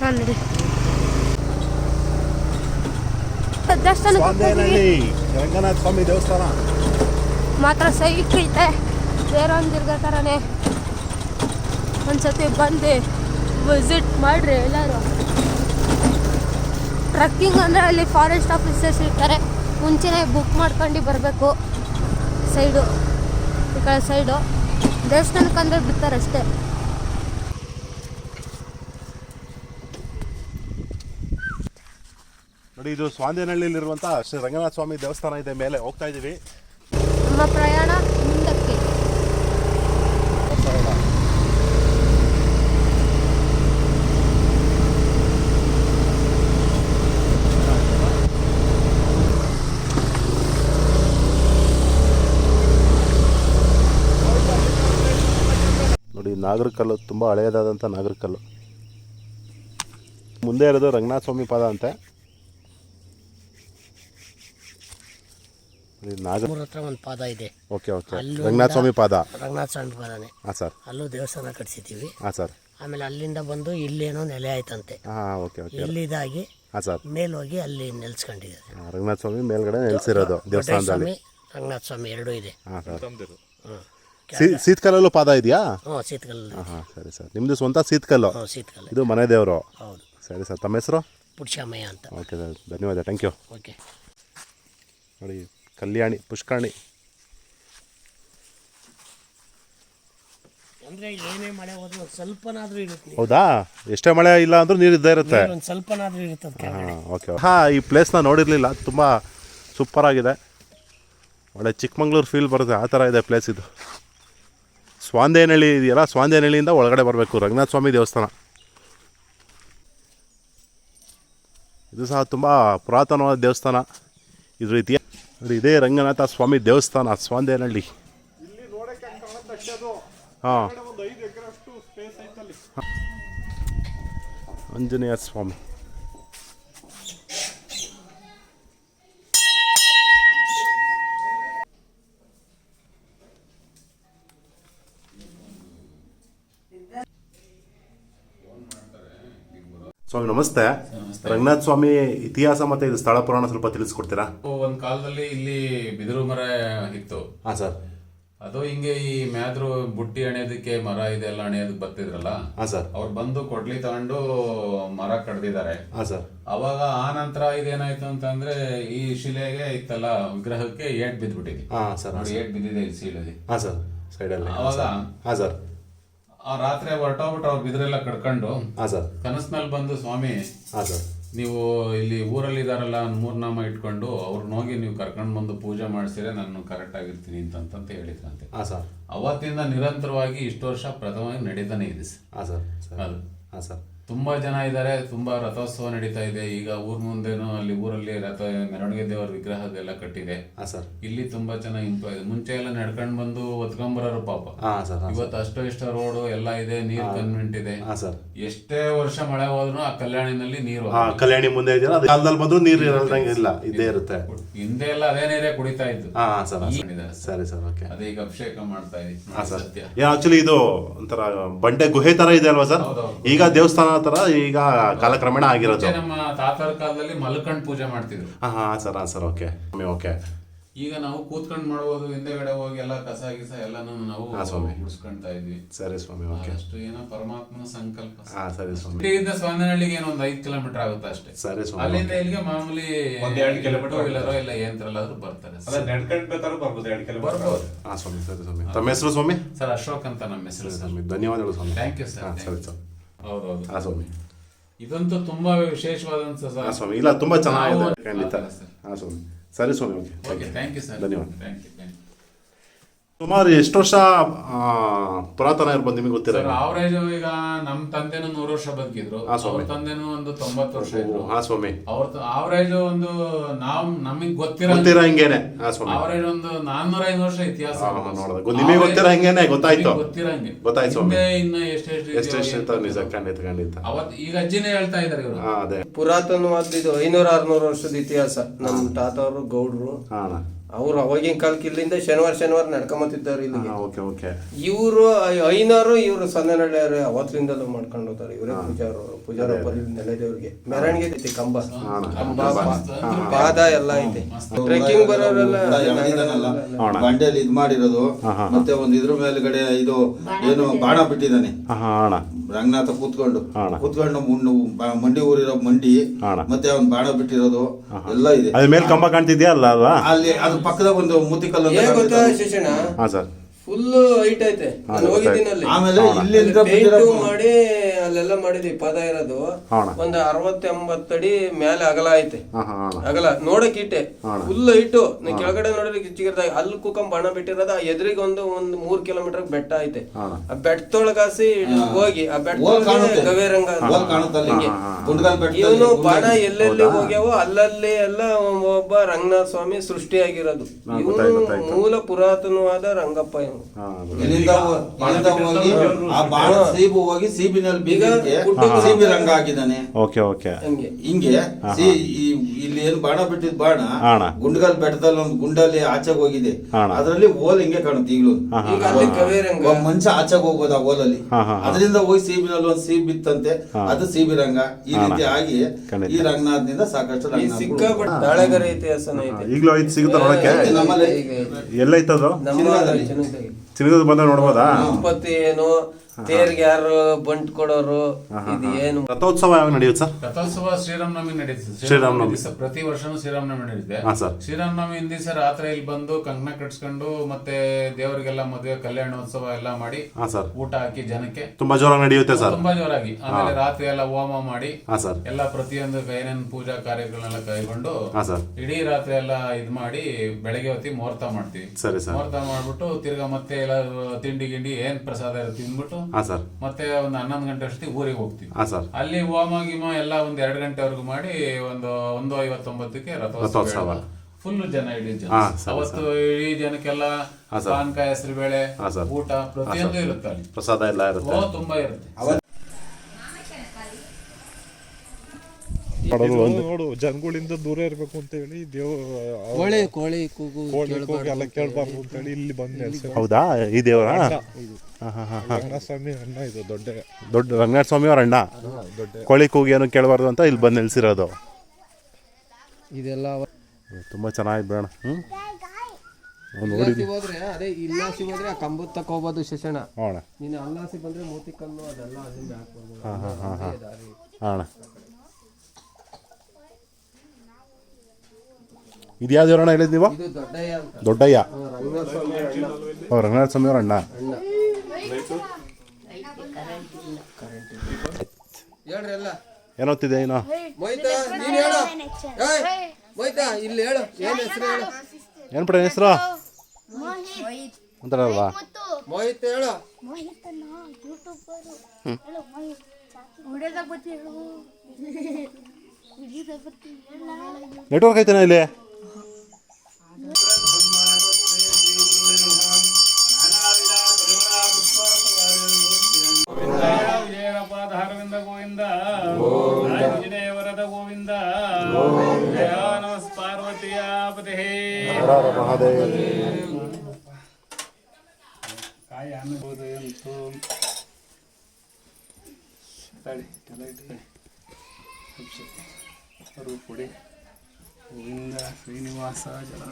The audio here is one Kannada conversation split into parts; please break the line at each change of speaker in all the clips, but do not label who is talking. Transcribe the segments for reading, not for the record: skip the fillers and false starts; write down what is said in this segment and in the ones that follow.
ನೋಡಿ ದೇವಸ್ಥಾನಕ್ಕೆ
ರಂಗನಾಥ ಸ್ವಾಮಿ ದೇವಸ್ಥಾನ
ಮಾತ್ರ ಸೈಕ್ ಐತೆ. ಬೇರೆ ಒಂದು ಥರನೇ ಒಂದ್ಸತಿ ಬಂದು ವಿಸಿಟ್ ಮಾಡಿರಿ ಎಲ್ಲರೂ. ಟ್ರಕ್ಕಿಂಗ್ ಅಂದರೆ ಅಲ್ಲಿ ಫಾರೆಸ್ಟ್ ಆಫೀಸರ್ಸ್ ಇರ್ತಾರೆ, ಮುಂಚೆನೇ ಬುಕ್ ಮಾಡ್ಕೊಂಡು ಬರಬೇಕು. ಸೈಡು ಈ ಕಡೆ ಸೈಡು ದೇವಸ್ಥಾನಕ್ಕೆ ಅಂದರೆ ಬಿಡ್ತಾರೆ ಅಷ್ಟೇ.
ನೋಡಿ, ಇದು ಸ್ವಾಂದೇನಹಳ್ಳಿಯಲ್ಲಿರುವಂಥ ಶ್ರೀ ರಂಗನಾಥ ಸ್ವಾಮಿ ದೇವಸ್ಥಾನ ಇದೆ. ಮೇಲೆ ಹೋಗ್ತಾ ಇದ್ದೀವಿ.
ನಮ್ಮ ಪ್ರಯಾಣ ಮುಂದಕ್ಕೆ.
ನೋಡಿ, ನಾಗರಕಲ್ಲು ತುಂಬ ಹಳೆಯದಾದಂಥ ನಾಗರಕಲ್ಲು. ಮುಂದೆ ಇರೋದು ರಂಗನಾಥ ಸ್ವಾಮಿ ಪಾದ ಅಂತೆ.
ಹತ್ರ ಒಂದು ಪಾದ ಇದೆ.
ಓಕೆ ಓಕೆ, ರಂಗನಾಥ ಸ್ವಾಮಿ ಪಾದ.
ರಂಗನಾಥ ಸ್ವಾಮಿ ಪಾದನೆ.
ಹಾಂ ಸರ್.
ಅಲ್ಲೂ ದೇವಸ್ಥಾನ ಕಟ್ಸಿದ್ದೀವಿ.
ಹಾಂ ಸರ್.
ಆಮೇಲೆ ಅಲ್ಲಿಂದ ಬಂದು ಇಲ್ಲೇನೋ ನೆಲೆ ಆಯ್ತಂತೆ.
ಹಾಂ ಓಕೆ ಓಕೆ.
ಇಲ್ಲಿದಾಗಿ
ಹಾಂ ಸರ್,
ಮೇಲೆ ಹೋಗಿ ಅಲ್ಲಿ ನೆಲೆಸ್ಕೊಂಡಿದ್ದಾರೆ.
ರಂಗನಾಥ ಸ್ವಾಮಿ ಮೇಲ್ಗಡೆ ನೆಲೆಸಿರೋದು ದೇವಸ್ಥಾನದಲ್ಲಿ.
ರಂಗನಾಥ ಸ್ವಾಮಿ ಎರಡೂ ಇದೆ.
ಹಾಂ ಸರ್. ಸೀತ್ಕಲ್ಲಲ್ಲೂ ಪಾದ ಇದೆಯಾ?
ಹ್ಞೂ, ಶೀತಕಲ್ಲು.
ಹಾಂ ಸರಿ ಸರ್. ನಿಮ್ಮದು ಸ್ವಂತ ಸೀತ್ಕಲ್ಲು?
ಹ್ಞೂ, ಶೀತಕಲ್ಲು.
ಇದು ಮನೆ ದೇವರು?
ಹೌದು.
ಸರಿ ಸರ್. ತಮ್ಮ ಹೆಸರು?
ಪುಟ್ಷಾಮಯ್ಯ ಅಂತ.
ಓಕೆ ಸರ್, ಧನ್ಯವಾದ. Thank you.
ಓಕೆ.
ನೋಡಿ, ಕಲ್ಯಾಣಿ ಪುಷ್ಕರಣಿ.
ಅಂದರೆ ಏನೇ ಮಳೆ ಹೋದ್ರೂ ಸ್ವಲ್ಪನಾದರೂ ಇರುತ್ತೆ.
ಹೌದಾ? ಎಷ್ಟೇ ಮಳೆ ಇಲ್ಲ ಅಂದ್ರೂ ನೀರು ಇದ್ದೇ ಇರುತ್ತೆ.
ಒಂದು ಸ್ವಲ್ಪನಾದರೂ ಇರುತ್ತೆ.
ಹಾಂ ಓಕೆ. ಹಾಂ, ಈ ಪ್ಲೇಸ್ನ ನೋಡಿರಲಿಲ್ಲ. ತುಂಬ ಸೂಪರಾಗಿದೆ. ಒಳ್ಳೆ ಚಿಕ್ಕಮಂಗ್ಳೂರು ಫೀಲ್ ಬರುತ್ತೆ, ಆ ಥರ ಇದೆ ಪ್ಲೇಸ್ ಇದು. ಸ್ವಾಂದೇನಹಳ್ಳಿ ಇದೆಯಲ್ಲ, ಸ್ವಾಂದೇನಹಳ್ಳಿಯಿಂದ ಒಳಗಡೆ ಬರಬೇಕು ರಂಗನಾಥ ಸ್ವಾಮಿ ದೇವಸ್ಥಾನ. ಇದು ಸಹ ತುಂಬ ಪುರಾತನವಾದ ದೇವಸ್ಥಾನ. ಇದ್ರ ರೀತಿಯ ನೋಡಿ, ಇದೇ ರಂಗನಾಥ ಸ್ವಾಮಿ ದೇವಸ್ಥಾನ ಸ್ವಾಂದೇನಹಳ್ಳಿ. ಹಾಂ, ಆಂಜನೇಯ ಸ್ವಾಮಿ. ಸ್ವಾಮಿ ನಮಸ್ತೆ. ರಂಗನಾಥ ಸ್ವಾಮಿ ಇತಿಹಾಸ ಮತ್ತೆ ಇದು ಸ್ಥಳ ಪುರಾಣ ಸ್ವಲ್ಪ ತಿಳಿಸ್ಕೊಡ್ತೀರಾ?
ಒಂದ್ ಕಾಲದಲ್ಲಿ ಇಲ್ಲಿ ಬಿದಿರು ಮರ ಇತ್ತು.
ಹಾಂ ಸರ್.
ಅದು ಹಿಂಗೆ ಈ ಮ್ಯಾದ್ರು ಬುಟ್ಟಿ ಅಣೆಯೋದಕ್ಕೆ ಮರ ಇದೆಲ್ಲ ಅಣೆಯೋದಕ್ಕೆ ಬರ್ತಿದ್ರಲ್ಲ.
ಹಾಂ ಸರ್.
ಅವ್ರು ಬಂದು ಕೊಡ್ಲಿ ತಗೊಂಡು ಮರ ಕಡ್ದಿದ್ದಾರೆ.
ಹಾಂ ಸರ್.
ಅವಾಗ ಆ ನಂತರ ಇದೇನಾಯ್ತು ಅಂತಂದ್ರೆ ಈ ಶಿಲೆಗೆ ಇತ್ತಲ್ಲ ವಿಗ್ರಹಕ್ಕೆ ಏಟ್ ಬಿದ್ದ್ಬಿಟ್ಟಿದೆ.
ಹಾಂ ಸರ್.
ನೋಡಿ, ಏಟ್ ಬಿದ್ದಿದೆ ಈ ಶಿಲೆಗೆ.
ಹಾಂ ಸರ್, ಸೈಡಲ್ಲಿ.
ಅವಾಗ
ಹಾಂ ಸರ್.
ಆ ರಾತ್ರಿ ಹೊರಟೋಗ್ಬಿಟ್ಟು ಅವ್ರು ಬಿದ್ರೆಲ್ಲ ಕಡ್ಕೊಂಡು
ಹಾಂ ಸರ್
ಕನಸಿನಲ್ಲಿ ಬಂದು, ಸ್ವಾಮಿ
ಹಾಂ ಸರ್,
ನೀವು ಇಲ್ಲಿ ಊರಲ್ಲಿ ಇದಾರಲ್ಲ ಮೂರ್ನಾಮ ಇಟ್ಕೊಂಡು ಅವ್ರನ್ನ ಹೋಗಿ ನೀವು ಕರ್ಕೊಂಡು ಬಂದು ಪೂಜೆ ಮಾಡಿಸಿದ್ರೆ ನಾನು ಕರೆಕ್ಟ್ ಆಗಿರ್ತೀನಿ ಅಂತ ಹೇಳಿದ್ರಂತೆ.
ಹಾಂ ಸರ್.
ಅವತ್ತಿಂದ ನಿರಂತರವಾಗಿ ಇಷ್ಟು ವರ್ಷ ಪ್ರಥಮವಾಗಿ ನಡೀತಾನೆ ಇದೆ
ಹಾಂ ಸರ್.
ಅದು.
ಹಾಂ ಸರ್.
ತುಂಬಾ ಜನ ಇದ್ದಾರೆ. ತುಂಬಾ ರಥೋತ್ಸವ ನಡೀತಾ ಇದೆ. ಈಗ ಊರ್ ಮುಂದೆನೂ ಅಲ್ಲಿ ಊರಲ್ಲಿ ರಥ ಮೆರವಣಿಗೆ ದೇವರ ವಿಗ್ರಹದೆಲ್ಲ ಕಟ್ಟಿದೆ.
ಹಾಂ ಸರ್.
ಇಲ್ಲಿ ತುಂಬಾ ಚೆನ್ನಾಗಿ ಇಂಪ್ರೂವ್ ಇದೆ. ಮುಂಚೆ ಎಲ್ಲ ನಡ್ಕೊಂಡ್ ಬಂದು ಒತ್ಕೊಂಬರೋರು ಪಾಪ.
ಹಾಂ ಸರ್.
ಇವತ್ತು ಅಷ್ಟೋ ಇಷ್ಟ ರೋಡು ಎಲ್ಲ ಇದೆ, ನೀರ್ ಕನ್ವೆಂಟ್ ಇದೆ.
ಹಾಂ ಸರ್.
ಎಷ್ಟೇ ವರ್ಷ ಮಳೆ ಹೋದ್ರು ಆ ಕಲ್ಯಾಣಿನಲ್ಲಿ ನೀರು,
ಕಲ್ಯಾಣಿ ಮುಂದೆ ಇದೆಯಲ್ಲ, ಅದು ಕಾಲದಲ್ಲಿ ಬಂದ್ರು ನೀರು ಇರಲ್ಲ, ಇದ್ದೇ ಇರುತ್ತೆ.
ಹಿಂದೆ ಎಲ್ಲ ಅದೇ ನೀರೇ ಕುಡಿತಾ ಇದ್ದು.
ಹಾಂ ಸರ್. ಸರಿ ಸರ್. ಓಕೆ.
ಅದೇ ಈಗ ಅಭಿಷೇಕ ಮಾಡ್ತಾ ಇದೀವಿ. ಸತ್ಯ.
ಆಕ್ಚುಲಿ ಇದು ಒಂಥರ ಬಂಡೆ ಗುಹೆ ತರ ಇದೆ ಅಲ್ವಾ ಸರ್? ಈಗ ದೇವಸ್ಥಾನ ತರ ಈಗ ಕಾಲಕ್ರಮೇಣ ಆಗಿರೋದು.
ನಮ್ಮ ತಾತರ ಕಾಲದಲ್ಲಿ ಮಲ್ಕಂಡ್ ಪೂಜೆ ಮಾಡ್ತಿದ್ರು.
ಹಾಂ ಸರ್. ಹಾಂ ಸರ್. Okay okay.
ಈಗ ನಾವು ಕೂತ್ಕೊಂಡು ಮಾಡ್ಬೋದು. ಹಿಂದೆಗಡೆ ಹೋಗಿ ಎಲ್ಲ ಕಸ ಗಿಸ ಎಲ್ಲಾನು ನಾವು ಗುಡಿಸ್ಕೊಂತಾ ಇದ್ವಿ.
ಸರಿ ಸ್ವಾಮಿ. ಓಕೆ.
ಅಷ್ಟು ಏನೋ ಪರಮಾತ್ಮನ ಸಂಕಲ್ಪ.
ಹಾಂ ಸರಿ ಸ್ವಾಮಿ.
ಇಲ್ಲಿಂದ ಸ್ವಾಮಿನಹಳ್ಳಿಗೆ ಏನೋ ಒಂದು 5 ಕಿಲೋಮೀಟರ್ ಆಗುತ್ತೆ ಅಷ್ಟೇ.
ಸರಿ ಸ್ವಾಮಿ.
ಅಲ್ಲಿಂದ ಇಲ್ಲಿಗೆ ಮಾಮೂಲಿ
1-2 ಕಿಲೋಮೀಟರ್
ಇಲ್ಲರೋ ಇಲ್ಲ ಏಂತ್ರಲ್ಲಾದ್ರೂ ಬರ್ತಾರೆ.
ಬರ್ಬೋದು 2 ಕಿಲೋಮೀಟರ್
ಬರ್ಬೋದು.
ಹಾಂ ಸ್ವಾಮಿ. ಸರಿ ಸ್ವಾಮಿ. ತಮ್ಮ ಹೆಸರು ಸ್ವಾಮಿ?
ಸರ್ ಅಶೋಕ್ ಅಂತ ನಮ್ಮ ಹೆಸರು.
ಸ್ವಾಮಿ, ಧನ್ಯವಾದಗಳು ಸ್ವಾಮಿ.
Thank you sir.
ಸರಿ ಸರ್.
ಹೌದೌದು.
ಹಾಂ ಸ್ವಾಮಿ.
ಇದಂತೂ ತುಂಬಾ ವಿಶೇಷವಾದಂತ ಸರ್.
ಹಾಂ ಸ್ವಾಮಿ. ಇಲ್ಲ, ತುಂಬಾ ಚೆನ್ನಾಗಿದೆ ಖಂಡಿತ. ಹಾಂ ಸ್ವಾಮಿ. ಸರಿ ಸ್ವಾಮಿ. ಓಕೆ.
Thank you sir.
ಧನ್ಯವಾದ.
Thank you.
ಸುಮಾರು ಎಷ್ಟು ವರ್ಷ ಪುರಾತನ ಇರ್ಬೋದು ನಿಮಗೆ ಗೊತ್ತಿರ?
ಅವರೇಜ್ ಈಗ ನಮ್ಮ ತಂದೆನೂ 100 ವರ್ಷ ಬದುಕಿದ್ರು. ಅವ್ರ ತಂದೆನೂ ಒಂದು 90 ವರ್ಷ ಇದ್ರು.
ಹಾಂ ಸ್ವಾಮಿ.
ಅವ್ರ ಅವರೇಜ್ ಒಂದು ನಮಗ್ ಗೊತ್ತಿರೋ
ಹಿಂಗೇನೆ. ಹಾಂ ಸ್ವಾಮಿ.
ಅವರೇಜ್ ಒಂದು 400-500 ವರ್ಷ ಇತಿಹಾಸ.
ನಿಮಗೆ ಗೊತ್ತಿರೋ ಹಂಗೇನೆ ಗೊತ್ತಾಯ್ತು.
ಗೊತ್ತಿರಂಗೆ
ಗೊತ್ತಾಯ್ತು ಸ್ವಾಮಿ.
ಇನ್ನ ಎಷ್ಟೆಷ್ಟು
ನಿಜ. ಖಂಡಿತ ಖಂಡಿತ.
ಅವತ್ ಈಗ ಅಜ್ಜಿನೇ ಹೇಳ್ತಾ ಇದಾರೆ ಇವರು.
ಅದೇ
ಪುರಾತನವಾದ ಇದು 500-600 ವರ್ಷದ ಇತಿಹಾಸ. ನಮ್ಮ ತಾತವರು ಗೌಡ್ರು ಅವ್ರು ಅವಾಗಿನ ಕಾಲಕ್ಕೆ ಇಲ್ಲಿಂದ ಶನಿವಾರ ನಡ್ಕೊಂಬತ್ತಿದ್ದಾರೆ ಇಲ್ಲಿಗೆ.
Okay okay.
ಇವರು ಐನವರು ಇವರು ಸಂದನಳ್ಳಿಯವರು ಅವತ್ತಿಂದಲೂ ಮಾಡ್ಕೊಂಡು ಹೋಗ್ತಾರೆ. ಇವರೇ ಪೂಜಾರ ನೆಲೆದೇವ್ರಿಗೆ ಮೆರವಣಿಗೆ ಐತಿ. ಕಂಬ ಪಾದ ಎಲ್ಲ ಐತೆ. ಟ್ರೆಕ್ಕಿಂಗ್ ಬರೋರೆಲ್ಲ
ಬಂಡೆಯಲ್ಲಿ ಇದ್ ಮಾಡಿರೋದು. ಮತ್ತೆ ಒಂದು ಇದ್ರ ಮೇಲ್ಗಡೆ ಇದು ಏನು ಬಾಣ ಬಿಟ್ಟಿದ್ದಾನೆ ರಂಗನಾಥ ಕೂತ್ಕೊಂಡು ಮಂಡಿ ಊರಿರೋ ಮಂಡಿ ಮತ್ತೆ ಅವ್ನ್ ಬಾಣ ಬಿಟ್ಟಿರೋದು ಎಲ್ಲ ಇದೆ.
ಅದ್ರ ಮೇಲೆ ಕಂಬ ಕಾಣ್ತಿದ್ಯಾ ಅಲ್ಲ ಅಲ್ವಾ?
ಅಲ್ಲಿ ಅದ್ರ ಪಕ್ಕದ ಒಂದು ಮೂತಿಕಲ್ಲು
ಗೊತ್ತಾ ಶಿಕ್ಷಣ
ಸರ್
ಫುಲ್ ಹೈಟ್ ಐತೆ. ನಾನು ಹೋಗಿದ್ದೀನಿ ಅಲ್ಲಿ.
ಆಮೇಲೆ ಇಲ್ಲಿಂದ
ಮಾಡಿ ಅಲ್ಲೆಲ್ಲ ಮಾಡಿದ್ವಿ. ಪದ ಇರೋದು ಒಂದು 60-80 ಅಡಿ ಮೇಲೆ ಅಗಲ ಐತೆ. ಅಗಲ ನೋಡಕ್ ಇಟ್ಟೆ ಫುಲ್ ಹೈಟು. ಕೆಳಗಡೆ ನೋಡಿದ್ರೆ ಚಿಕ್ಕದಾಗಿ ಅಲ್ಲಿ ಕುಕಂ ಬಾಣ ಬಿಟ್ಟಿರೋದು. ಎದುರಿಗೆ ಒಂದು 3 ಕಿಲೋಮೀಟರ್ ಬೆಟ್ಟ ಐತೆ. ಆ ಬೆಟ್ಟದೊಳಗಾಸಿ ಹೋಗಿ ಆ ಬೆಟ್ಟ ಗವೇರಂಗ ಇವನು ಬಾಣ ಎಲ್ಲೆಲ್ಲಿ ಹೋಗ್ಯಾವೋ ಅಲ್ಲಲ್ಲಿ ಎಲ್ಲ ಒಬ್ಬ ರಂಗನಾಥ ಸ್ವಾಮಿ ಸೃಷ್ಟಿಯಾಗಿರೋದು. ಇವನು ಮೂಲ ಪುರಾತನವಾದ ರಂಗಪ್ಪ.
ಇಲ್ಲಿಂದ ಹೋಗಿ ಆ ಬಾಣ ಸೀಬು ಹೋಗಿ ಸೀಬಿನಲ್ಲಿ ಬೀಗಕ್ಕೆ ಸೀಬಿ ರಂಗ ಹಾಕಿದ್ದಾನೆ.
Okay okay.
ಹಿಂಗೆ ಇಲ್ಲಿ ಏನು ಬಾಣ ಬಿಟ್ಟಿದ್ ಬಾಣ ಗುಂಡ್ಗಲ್ ಬೆಟ್ಟದಲ್ಲಿ ಒಂದು ಗುಂಡಲ್ಲಿ ಆಚೆಗೆ ಹೋಗಿದೆ. ಅದ್ರಲ್ಲಿ ಓಲ್ ಹಿಂಗೆ ಕಾಣುತ್ತೆ ಈಗಲೂ. ಮಂಚ ಆಚೆಗೆ ಹೋಗ್ಬೋದು ಆ ಓಲಲ್ಲಿ. ಅದರಿಂದ ಹೋಗಿ ಸೀಬಿನಲ್ಲಿ ಒಂದು ಸೀಬ್ ಬಿತ್ತಂತೆ. ಅದು ಸೀಬಿ ರಂಗ. ಈ ರೀತಿ ಆಗಿ ಈ ರಂಗನಾಥ್ನಿಂದ ಸಾಕಷ್ಟು
ದಾಳಗರ ಇತಿಹಾಸನ ಐತೆ.
ಈಗಲೂ ಐದು ಸಿಗುತ್ತೆ ನೋಡಕ್ಕೆ.
ನಮ್ಮಲ್ಲಿ
ಎಲ್ಲ ಐತದು ಚಿನ್ನದ ಬಂದ ನೋಡ್ಬೋದಾ?
ಏನು ತೇರ್ಗೆ ಯಾರು ಬಂಟ್ ಕೊಡೋರು ಇದು ಏನು?
ರಥೋತ್ಸವ ಯಾವಾಗ ನಡೆಯುತ್ತೆ ಸರ್?
ರಥೋತ್ಸವ ಶ್ರೀರಾಮನವಮಿ ನಡೀತದೆ.
ಶ್ರೀರಾಮನವಮಿ
ಪ್ರತಿ ವರ್ಷನೂ ಶ್ರೀರಾಮನವಮಿ ನಡೆಯುತ್ತೆ. ಶ್ರೀರಾಮನವಮಿ ಹಿಂದಿನ ದಿವಸ ರಾತ್ರಿ ಇಲ್ಲಿ ಬಂದು ಕಂಕಣ ಕಟ್ಸ್ಕೊಂಡು ಮತ್ತೆ ದೇವರಿಗೆಲ್ಲ ಮದುವೆ ಕಲ್ಯಾಣೋತ್ಸವ ಎಲ್ಲ ಮಾಡಿ ಊಟ ಹಾಕಿ ಜನಕ್ಕೆ
ತುಂಬಾ ಜೋರಾಗಿ ನಡೆಯುತ್ತೆ ಸರ್.
ತುಂಬಾ ಜೋರಾಗಿ. ಆಮೇಲೆ ರಾತ್ರಿ ಎಲ್ಲ ಹೋಮ ಮಾಡಿ ಎಲ್ಲ ಪ್ರತಿಯೊಂದು ಏನೇನು ಪೂಜಾ ಕಾರ್ಯಗಳನ್ನೆಲ್ಲ ಕೈಗೊಂಡು ಇಡೀ ರಾತ್ರಿ ಎಲ್ಲ ಇದ್ ಮಾಡಿ ಬೆಳಗ್ಗೆ ಹೊತ್ತಿ ಮುಹೂರ್ತ ಮಾಡ್ತೀವಿ. ಮುಹೂರ್ತ ಮಾಡ್ಬಿಟ್ಟು ತಿರ್ಗಾ ಮತ್ತೆ ಎಲ್ಲ ತಿಂಡಿ ಗಿಂಡಿ ಏನ್ ಪ್ರಸಾದ ಇರುತ್ತೆ ತಿಂದ್ಬಿಟ್ಟು ಮತ್ತೆ ಒಂದು 11 ಗಂಟೆ ಅಷ್ಟೊತ್ತಿಗೆ ಊರಿಗೆ ಹೋಗ್ತೀವಿ. ಅಲ್ಲಿ ಹೋಮ ಗಿಮ ಎಲ್ಲ ಒಂದ್ 2 ಗಂಟೆವರೆಗೂ ಮಾಡಿ ಒಂದು 1:59ಕ್ಕೆ ರಥೋತ್ಸವ. ಫುಲ್ ಜನ ಇಡೀ ಜನ. ಅವತ್ತು ಇಡೀ ಜನಕ್ಕೆಲ್ಲ ಪಾನಕ ಹೆಸರು ಬೇಳೆ ಊಟ ಪ್ರತಿಯೊಂದು ಇರುತ್ತೆ. ಅಲ್ಲಿ
ಪ್ರಸಾದ ಎಲ್ಲ ಇರುತ್ತೆ.
ತುಂಬಾ ಇರುತ್ತೆ.
ನೋಡು ಜನಗಳಿಂದ ದೂರ ಇರ್ಬೇಕು ಅಂತ ಹೇಳಿ
ಕೋಳಿ ಕೂಗು
ಎಲ್ಲ ಕೇಳ್ಬಾರ್ದು ಅಂತ ಹೇಳಿ ಇಲ್ಲಿ ಬಂದು.
ಹೌದಾ? ಈ ದೇವರ
ರಂಗನಾಥ ಸ್ವಾಮಿ ಅಣ್ಣ ಇದು
ದೊಡ್ಡ ರಂಗನಾಥ ಸ್ವಾಮಿ ಅವ್ರ ಅಣ್ಣ. ಕೋಳಿ ಕೂಗಿ ಏನು ಕೇಳಬಾರ್ದು ಅಂತ ಇಲ್ಲಿ ಬಂದು ನಿಲ್ಸಿರೋದು.
ಇದೆಲ್ಲ
ತುಂಬಾ ಚೆನ್ನಾಗಿ ಬೇಡ.
ಹೋದ್ರೆ ಅದೇ ಇಲ್ಲಾಸಿ ಹೋದ್ರೆ ಆ ಕಂಬದ ತಕ ಹೋಗ್ಬೋದು ಶಿಕ್ಷಣ. ನೀನು ಅಲ್ಲಾಸಿ ಬಂದ್ರೆ ಮೂತಿ ಕಲ್ಲು ಅದೆಲ್ಲ ಅಲ್ಲಿಂದ ಹಾಕ್ಬೋದು.
ಇದು ಯಾವ ದೇವರಣ್ಣ ಹೇಳಿದ್ ನೀವು? ದೊಡ್ಡಯ್ಯ. ರಂಗನಾಥ ಸ್ವಾಮಿ ಅವ್ರ ಅಣ್ಣ. ಏನೋತಿದೆ ಏನೋ ಏನ್ ಪಡ ಹೆಸರು ಅಂತಾರಲ್ವಾ?
ಮೋಹಿತ್ ಹೇಳು.
ನೆಟ್ವರ್ಕ್ ಐತೆನಾ ಇಲ್ಲಿ?
ಧಾರವಿಂದ ಗೋವಿಂದ ವರದ ಗೋವಿಂದ ಪಾರ್ವತಿಯ ಪದೇ ಕಾಯ ಅನ್ಬೋದು ಎಂತು ರೂಪುಡಿ ಗೋವಿಂದ ಶ್ರೀನಿವಾಸ ಜನ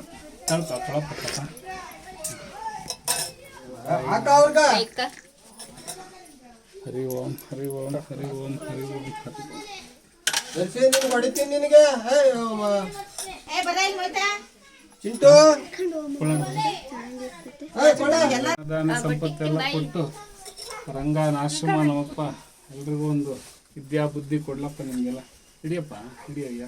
ಹರಿ ಓಂ ಹರಿ ಓಂ ಹರಿ ಓಂ ಹರಿ ಓಂ
ಹೊಡಿತೀನಿ ನಿನಗೆ.
ದಾನ ಸಂಪತ್ತೆಲ್ಲ ಕೊಟ್ಟು ರಂಗನಾಶ್ರಮ ನಮ್ಮಪ್ಪ ಎಲ್ರಿಗೂ ಒಂದು ವಿದ್ಯಾ ಬುದ್ಧಿ ಕೊಡ್ಲಪ್ಪ ನಿಮಗೆಲ್ಲ. ಹಿಡಿಯಪ್ಪ ಹಿಡಿಯಯ್ಯ.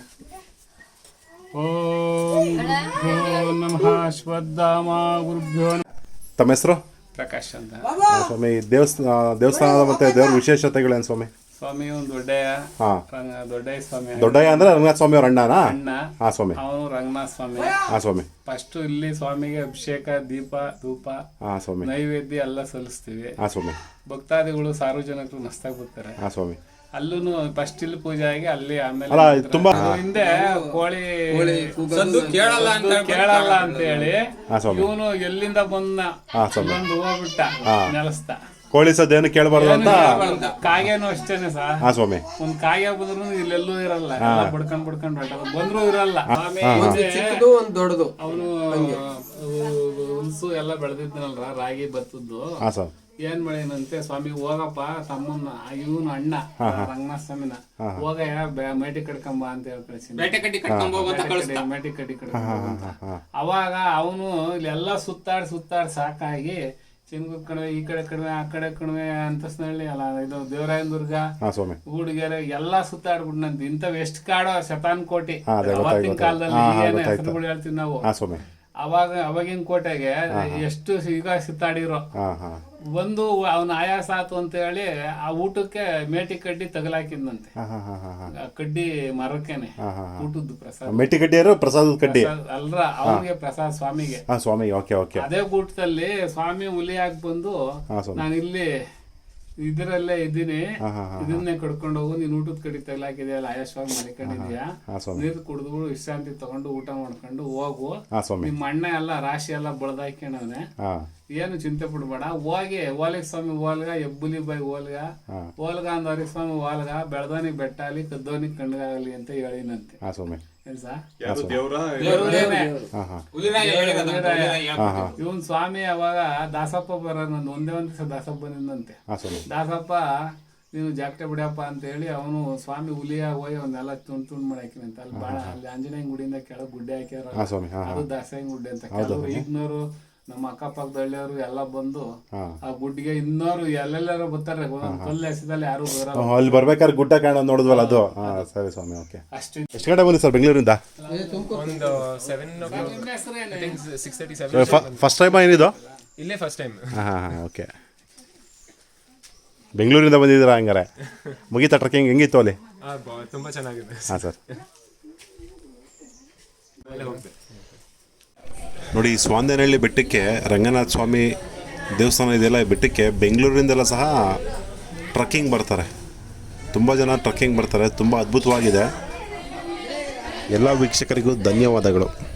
ಓಂ ಗುರುಭ್ಯೋ ನಮಃ ಶ್ರದ್ಧಾಮ ಗುರುಭ್ಯೋ.
ತಮ್ಮ ಹೆಸರು?
ಪ್ರಕಾಶ್ ಅಂತ.
ಸ್ವಾಮಿ ದೇವಸ್ಥಾನದ ಮತ್ತೆ ದೇವ್ರ ವಿಶೇಷತೆಗಳೇನು ಸ್ವಾಮಿ?
ಸ್ವಾಮಿ ಒಂದು ದೊಡ್ಡಯ್ಯ ಸ್ವಾಮಿ.
ದೊಡ್ಡಯ್ಯ ಅಂದ್ರೆ ರಂಗನಾಥ ಸ್ವಾಮಿ ಅವ್ರ ಅಣ್ಣನಾ? ಹಾ ಸ್ವಾಮಿ.
ಅವನು ರಂಗನಾಥ ಸ್ವಾಮಿ.
ಹಾ ಸ್ವಾಮಿ.
ಫಸ್ಟ್ ಇಲ್ಲಿ ಸ್ವಾಮಿಗೆ ಅಭಿಷೇಕ ದೀಪ ಧೂಪ ನೈವೇದ್ಯ ಎಲ್ಲ ಸಲ್ಲಿಸ್ತೀವಿ.
ಹಾ ಸ್ವಾಮಿ.
ಭಕ್ತಾದಿಗಳು ಸಾರ್ವಜನಿಕರು ಮಸ್ತಾಗಿ ಬರ್ತಾರೆ.
ಹಾ ಸ್ವಾಮಿ.
ಅಲ್ಲೂ ಫಸ್ಟ್ ಇಲ್ಲಿ ಪೂಜೆ ಆಗಿ ಅಲ್ಲಿ ಆಮೇಲೆ
ಅಲ್ಲ ತುಂಬಾ
ಅದು ಹಿಂದೆ ಕೋಳಿ ಕೇಳಲ್ಲ ಅಂತ ಹೇಳಿ ಇವನು ಎಲ್ಲಿಂದ ಬಂದ ಬಂದು ಹೋಗ್ಬಿಟ್ಟ ನೆಲಸ್ತ
ಕೋಳಿ ಸದ್ದೇನು ಕೇಳಬಾರ್ದು ಅಂತ.
ಕಾಗೆನೂ ಅಷ್ಟೇನೆ ಸರ್.
ಹಾ ಸ್ವಾಮಿ.
ಒಂದ್ ಕಾಗೆ ಬಂದ್ರು ಇಲ್ಲೆಲ್ಲೂ ಇರಲ್ಲ, ಬಡ್ಕೊಂಡ್ ಬಂದ್ರು ಇರಲ್ಲ.
ಚಿಕ್ಕದು ಒಂದ್ ದೊಡ್ಡದು.
ಅವನು ಹುಲ್ಸು ಎಲ್ಲ ಬೆಳೆದಿದ್ದನಲ್ರ, ರಾಗಿ ಭತ್ತದ್ದು. ಏನ್ ಮಾಡಿನಂತೆ, ಸ್ವಾಮಿ ಹೋಗಪ್ಪ ತಮ್ಮನ್ನ ಇವನು ಅಣ್ಣ ರಂಗನಾಥ ಸ್ವಾಮಿನ ಹೋಗ ಮೇಟಿ ಕಡ್ಕೊಂಬ ಅಂತ ಹೇಳಿ ಕಳಿಸಿ, ಮೇಟಿ ಕಡ್ಡಿ ಕಡ್ಕೊಂಬ. ಅವಾಗ ಅವನು ಇಲ್ಲೆಲ್ಲ ಸುತ್ತಾಡ್ ಸಾಕಾಗಿ ಚಿನ್ಗುದ್ ಕಣಿವೆ, ಈ ಕಡೆ ಕಣಿವೆ, ಆ ಕಡೆ ಕಣಿವೆ, ಅಂತಸ್ನಹಳ್ಳಿ ಅಲ್ಲ ಇದು ದೇವರಾಯನ ದುರ್ಗ, ಗೂಡಿಗೆರೆ ಎಲ್ಲಾ ಸುತ್ತಾಡ್ಬಿಟ್ನಂತ. ಇಂಥವ್ ಎಷ್ಟ್ ಕಾಡೋ ಶತಾನ್ ಕೋಟಿ ಅವತ್ತಿನ ಕಾಲದಲ್ಲಿ ಏನ್ ಹೆಸರುಗಳು ಹೇಳ್ತೀವಿ ನಾವು. ಅವಾಗಿನ ಕೋಟೆಗೆ ಎಷ್ಟು ಈಗ ಸುತ್ತಾಡಿರೋ ಒಂದು ಅವನ ಆಯಾಸ ಆತು ಅಂತ ಹೇಳಿ ಆ ಊಟಕ್ಕೆ ಮೇಟಿ ಕಡ್ಡಿ ತಗಲಾಕಿದ್ನಂತೆ. ಕಡ್ಡಿ ಮರಕ್ಕೇನೆ ಊಟದ್ದು ಪ್ರಸಾದ.
ಮೇಟಿ ಕಡ್ಡಿಯರು ಪ್ರಸಾದದ ಕಡ್ಡಿ
ಅಲ್ರ, ಅವ್ರಿಗೆ ಪ್ರಸಾದ ಸ್ವಾಮಿಗೆ. ಅದೇ ಊಟದಲ್ಲಿ ಸ್ವಾಮಿ ಹುಲಿಯಾಗಿ ಬಂದು, ನಾನು ಇಲ್ಲಿ ಇದರಲ್ಲೇ ಇದ್ದೀನಿ, ಇದನ್ನೇ ಕಡ್ಕೊಂಡು ಹೋಗು, ನೀನ್ ಊಟದ ಕಡೆ ತಗಲಾಕಿದೆಯಲ್ಲ, ಆಯಾಸವಾಗಿ ಮಲಿಕೊಂಡಿದ್ಯಾ, ನೀರು ಕುಡಿದು ವಿಶ್ರಾಂತಿ ತಗೊಂಡು ಊಟ ಮಾಡ್ಕೊಂಡು ಹೋಗು, ನಿಮ್ಮ ಅಣ್ಣ ಎಲ್ಲ ರಾಶಿ ಎಲ್ಲ ಬಳದಾಕ್ಯಣವನೆ, ಏನು ಚಿಂತೆ ಪಡ್ಬೇಡ, ಹೋಗಿ ಓಲಿಗ ಸ್ವಾಮಿ ಓಲ್ಗ, ಹೆಬ್ಬುಲಿ ಬೈ ಓಲ್ಗ ಅಂದವ್ರಿಗೆ ಸ್ವಾಮಿ ಓಲ್ಗ, ಬೆಳ್ದವನಿಗೆ ಬೆಟ್ಟ ಆಗಲಿ, ಕದ್ದವನಿಗೆ ಕಣ್ಗಾಗಲಿ ಅಂತ ಹೇಳಿನಂತೆ. ಇವನ್ ಸ್ವಾಮಿ ಅವಾಗ ದಾಸಪ್ಪ ಬರೋನಂದು, ಒಂದೇ ಒಂದ್ ದಿವಸ ದಾಸಪ್ಪ ಬಂದಿದ್ದಂತೆ. ದಾಸಪ್ಪ ನೀನು ಜಾಕ್ಟೆ ಬಿಡಪ್ಪ ಅಂತ ಹೇಳಿ ಅವನು ಸ್ವಾಮಿ ಹುಲಿಯಾಗ ಹೋಗಿ ಅವನ್ನೆಲ್ಲ ತುಂಡ್ ಮಾಡಾಕಿನಂತೆ. ಅಲ್ಲಿ ಬಾಳ ಅಲ್ಲಿ ಆಂಜನೇಯ ಗುಡಿಯಿಂದ ಕೆಳಗ್ ಗುಡ್ಡೆ ಹಾಕ್ಯಾರ, ಅದು ದಾಸಯ್ಯ ಗುಡ್ಡೆ ಅಂತ. ಕೆಲವರು ಈಗ್ನವರು ನಮ್ಮ ಅಕ್ಕಪಕ್ಕದ ಹಳ್ಳಿಯವರು ಎಲ್ಲ ಬಂದು ಆ ಗುಡ್ಡಿಗೆ ಇನ್ನೋರು ಎಲ್ಲೆಲ್ಲರೂ ಬರ್ತಾರೆ, ಕಲ್ಲು ಎಸೆದಲ್ಲಿ ಯಾರು ಬರಲ್ಲ.
ಅಲ್ಲಿ ಬರ್ಬೇಕಾದ್ರೆ ಗುಡ್ಡ ಕಾಣೋದು ನೋಡಿದ್ವಲ್ಲ ಅದು. ಸರಿ ಸ್ವಾಮಿ, ಓಕೆ. ಎಷ್ಟು ಗಂಟೆ ಬಂದಿ ಸರ್ ಬೆಂಗಳೂರಿಂದ? ಫಸ್ಟ್ ಟೈಮ್ ಏನಿದು?
ಇಲ್ಲೇ ಫಸ್ಟ್ ಟೈಮ್.
ಓಕೆ. ಬೆಂಗಳೂರಿಂದ ಬಂದಿದ್ದೀರಾ ಹಂಗಾರೆ? ಮುಗೀತಾ ಟ್ರೆಕ್ಕಿಂಗ್? ಹೆಂಗಿತ್ತು ಅಲ್ಲಿ?
ತುಂಬ ಚೆನ್ನಾಗಿದೆ.
ಹಾಂ ಸರ್. ನೋಡಿ, ಸ್ವಾಂದೇನಹಳ್ಳಿ ಬೆಟ್ಟಕ್ಕೆ ರಂಗನಾಥ ಸ್ವಾಮಿ ದೇವಸ್ಥಾನ ಇದೆಯಲ್ಲ, ಈ ಬೆಟ್ಟಕ್ಕೆ ಬೆಂಗಳೂರಿಂದೆಲ್ಲ ಸಹ ಟ್ರಕ್ಕಿಂಗ್ ಬರ್ತಾರೆ. ತುಂಬ ಜನ ಟ್ರಕ್ಕಿಂಗ್ ಬರ್ತಾರೆ. ತುಂಬ ಅದ್ಭುತವಾಗಿದೆ. ಎಲ್ಲ ವೀಕ್ಷಕರಿಗೂ ಧನ್ಯವಾದಗಳು.